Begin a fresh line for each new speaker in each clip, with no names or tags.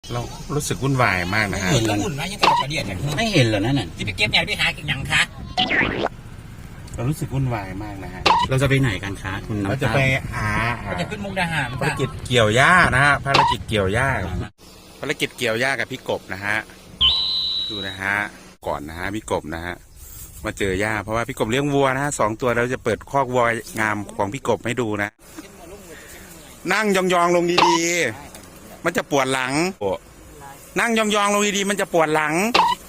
เรารู้สึกวุ่นวายมากนะฮะ
วุ่นวายยังกับกระเดียด
ไม่เห็นเหรอนั่นน่ะ
ที่ไปเก็บเนี่ยไปหากินยังคะ
เรารู้สึกวุ่นวายมากนะฮะ
เราจะไปไหนกันคะคุณน้ำตาล
เราจะไปหา
เราจะขึ้นมุกดาหาร
ภารกิจเกี่ยวหญ้านะฮะภารกิจเกี่ยวหญ้าภารกิจเกี่ยวหญ้ากับพี่กบนะฮะดูนะฮะก่อนนะฮะพี่กบนะฮะมาเจอหญ้าเพราะว่าพี่กบเลี้ยงวัวนะฮะ2 ตัวเราจะเปิดคอกวัวงามของพี่กบให้ดูนะนั่งยองๆลงดีๆมันจะปวดหลังนั่งยองๆลงดีๆมันจะปวดหลัง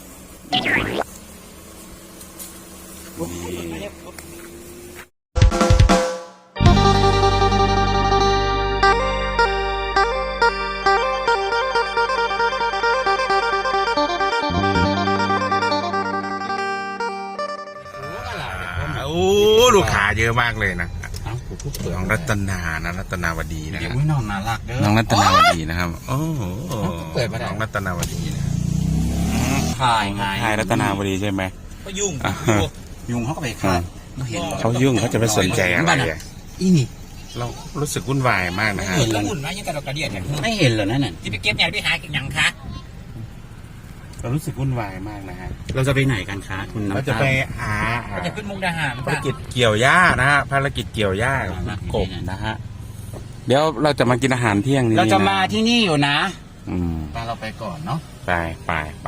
โอ้ลูกค้าเยอะมากเลยนะน้องรัตนานะรัตนาวดีนะ
น้องน่ารักเด้อ
น้องรัตนาวดีนะครับโอ้น้องรัตนาวดีนะ
ถ่ายไง
ถ่ายรัตนาวดีใช่ไหม
ก็ยุ่ง
เขาก็ไปฆ่า
เขายุ่งเขาจะไปสนใจอะไร
อีนี่
เรารู้สึกวุ่นวายมากนะฮะ
วุ่นวายยังกับกระเดียด
ไม่เห็นเหรอนั่นน่ะ
ที่ไปเก็บเนี่ยไปหากินยังคะ
เรารู้สึกวุ่นวายมากนะฮะ
เราจะไปไหนกันคะคุณน้ำตาล
เราจะไปหา
เราจะขึ้นมุกดาหาร
ภารกิจเกี่ยวหญ้านะฮะภารกิจเกี่ยวหญ้า กบนะฮะเดี๋ยวเราจะมากินอาหารเที่ยงนี้
เราจะมาที่นี่อยู่นะ
เราไปก่อนเนาะไป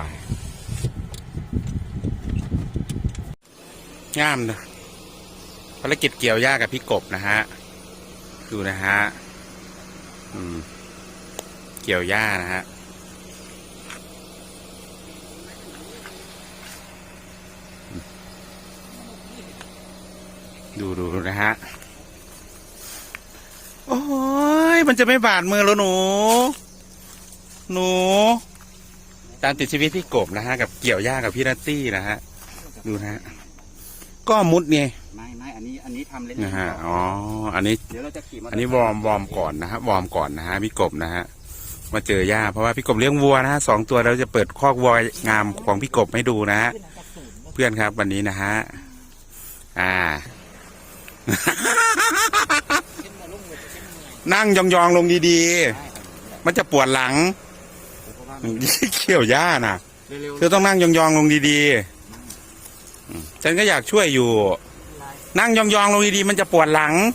งามนะภารกิจเกี่ยวหญ้ากับพี่กบนะฮะดูนะฮะเกี่ยวหญ้านะฮะดูนะฮะโอ้ยมันจะไม่บาดมือแล้วหนูตามติดชีวิตพี่กบนะฮะกับเกี่ยวหญ้ากับพี่นัตตี้นะฮะดูนะฮะก็มุดไง
ไม่อันนี้ทำเล่น
นะฮะอ๋ออันนี้
เดี๋ยวเราจะขี่
อันนี้วอร์มก่อนนะฮะวอร์มก่อนนะฮะพี่กบนะฮะมาเจอหญ้าเพราะว่าพี่กบเลี้ยงวัวนะฮะ2 ตัวเราจะเปิดคอกวัวงามของพี่กบให้ดูนะฮะเพื่อนครับวันนี้นะฮะนั่งยองๆลงดีๆมันจะปวดหลังเขี่ยวหญ้านะเธอต้องนั่งยองๆลงดีๆฉันก็อยากช่วยอยู่นั่งยองๆลงดีๆมันจะปวดหลัง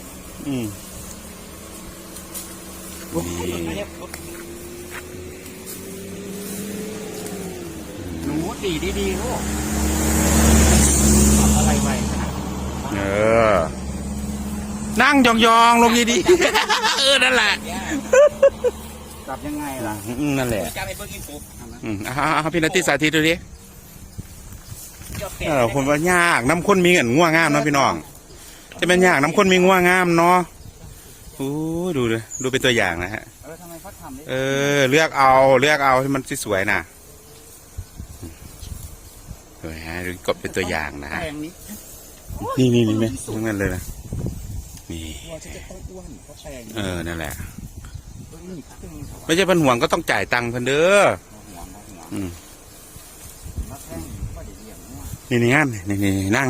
หนูดีลูกอะไรไป
นั่งยองๆลงดีๆนั่นแหละ
จับยังไงล่ะ
นั่นแหละ
จับไปเบิ้งกินปุ๊บ
พี่นัตตี้สาธิตดูดิคนว่ายากน้ำข้นมีเงินง่วงงามเนาะพี่น้องจะเป็นยากน้ำข้นมีง่วงงามเนาะดูเลยดูเป็นตัวอย่างนะฮะ
ทำไมเขาทำ
เลือกเอาที่มันสวยๆนะดูฮะดูกบเป็นตัวอย่างนะฮะนี่ไหมทั้งนั้นเลยนะนี่นั่นแหละไม่ใช่พันห่วงก็ต้องจ่ายตังค์พันเด้อนี่งามนี่นั่ง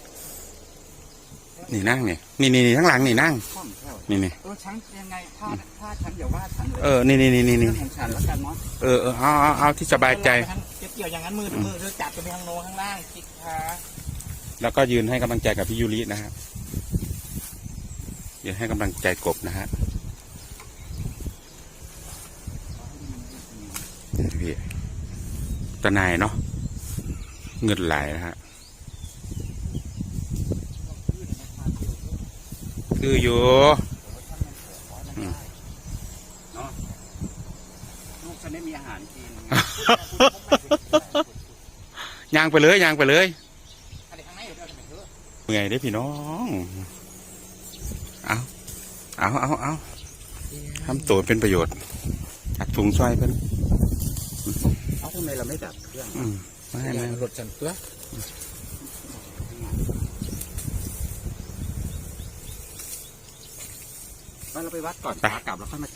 นี่นั่งนี่ทั้งหลังนี่นั่งนี่
ฉันยังไงถ้าฉันอย่าว่าฉัน
นี่
ฉันแล้วกันเนา
ะเอาที่สบายใจ
เกี่ยวอย่างนั้นมือจับไปทางโน้นข้างล่างคิดขา
แล้วก็ยืนให้กำลังใจกับพี่ยูรินะฮะยืนให้กำลังใจกบนะฮะพี่ตะนายเนาะเงินไหลนะฮะคืออยู่
ลูกฉันไม่มีอาหารกิน
ย่างไปเลยเมื่อยได้พี่น้องเอาทำตัวเป็นประโยชน์อัดถุงช่วยเพื่อน
เอาทำไมเราไม่ดับเครื่อง
ไม่
รถจันตัว
เราไปวัดก่อนขากลับแล้วค่อยมา